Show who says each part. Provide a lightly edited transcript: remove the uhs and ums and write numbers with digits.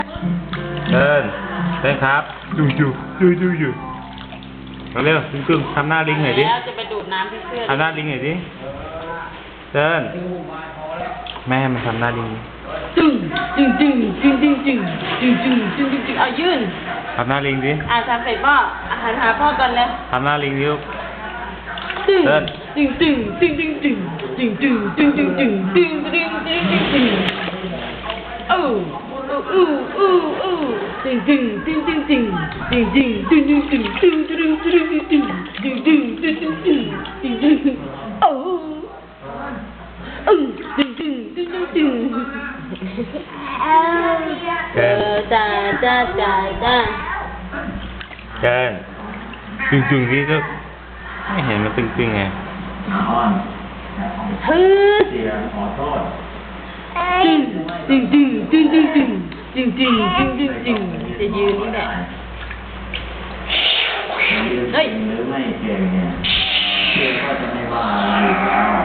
Speaker 1: เดินครับดูอยู่เร็วๆตึงๆทำหน้าลิงหน่อยดิ
Speaker 2: แล้วจะไปดูดน้ำที่เสื้อ
Speaker 1: ทำหน้าลิงหน่อยดิเดินแม่มันทำหน้าลิง
Speaker 2: จึงเอายื่น
Speaker 1: ทำหน้าลิงดิ
Speaker 2: ทำเสร็จพ่ออาหารหาพ่อก่อนเลย
Speaker 1: ทำหน้าลิงดิลูก
Speaker 2: ตึง
Speaker 1: เดิน
Speaker 2: จ้า
Speaker 1: เดินตึงๆดิลูกไม่เห็นมันตึงๆไง
Speaker 2: ฮึดจึงจะยืนนี่แหละเฮ้ย
Speaker 3: หรือไม่เก่งเนี่ยเชื่อก็จะไม่ว่าอยู่แล้ว